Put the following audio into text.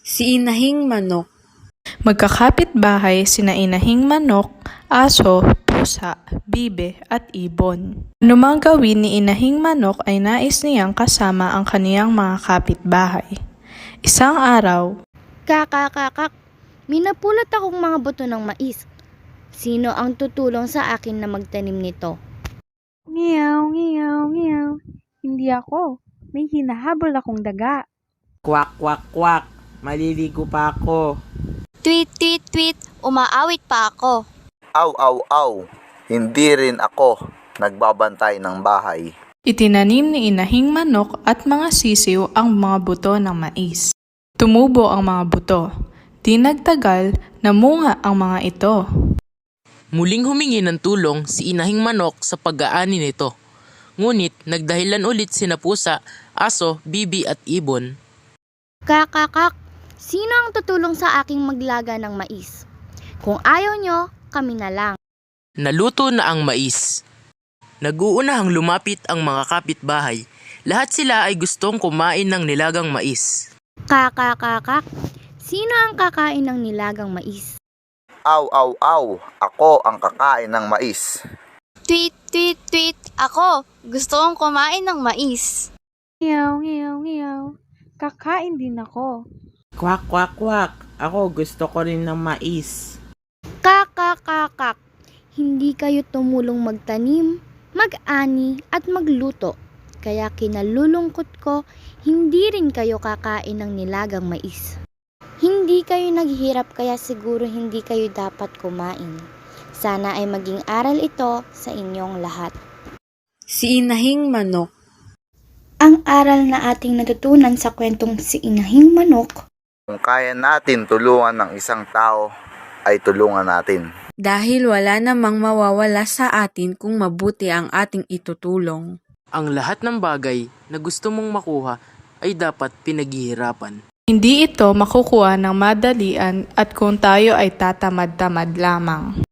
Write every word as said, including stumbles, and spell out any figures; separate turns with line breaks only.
Si Inahing Manok.
Magkakapit-bahay sina Inahing Manok, aso, pusa, bibe at ibon. Anumang gawin ni Inahing Manok ay nais niyang kasama ang kaniyang mga kapitbahay. Isang araw,
Kakakakak, may napulot akong mga buto ng mais. Sino ang tutulong sa akin na magtanim nito?
Ngiyaw, ngiyaw, ngiyaw. Hindi ako. May hinahabol akong daga.
Kwak, kwak, kwak. Maliligo pa ako.
Tweet, tweet, tweet, umaawit pa ako.
Aw, aw, aw. Hindi rin ako nagbabantay ng bahay.
itinanim ni Inahing Manok at mga sisiw ang mga buto ng mais. Tumubo ang mga buto. Di nagtagal, namunga ang mga ito.
Muling humingi ng tulong si Inahing Manok sa pag-aani nito. Ngunit nagdahilan ulit sina pusa, aso, bibi at ibon.
Kakakak, sino ang tutulong sa aking maglaga ng mais? Kung ayaw nyo, kami na lang.
Naluto na ang mais. Nag-uunahang lumapit ang mga kapitbahay. Lahat sila ay gustong kumain ng nilagang mais.
Kakakakak, sino ang kakain ng nilagang mais?
Aw, aw, aw. Ako ang kakain ng mais.
Tweet, tweet, tweet, ako, gusto kong kumain ng mais.
Ngiyaw, ngiyaw, ngiyaw. Kakain din ako.
Kwak, kwak, kwak. Ako gusto ko rin ng mais.
Kakakakak, hindi kayo tumulong magtanim, mag-ani at magluto. Kaya kinalulungkot ko, hindi rin kayo kakain ng nilagang mais. Hindi kayo naghihirap kaya siguro hindi kayo dapat kumain. Sana ay maging aral ito sa inyong lahat.
Si Inahing Manok.
Ang aral na ating natutunan sa kwentong Si Inahing Manok,
Kung kaya natin tulungan ng isang tao, ay tulungan natin.
Dahil wala namang mawawala sa atin kung mabuti ang ating itutulong.
Ang lahat ng bagay na gusto mong makuha ay dapat pinaghihirapan.
Hindi ito makukuha ng madalian at kung tayo ay tatamad-tamad lamang.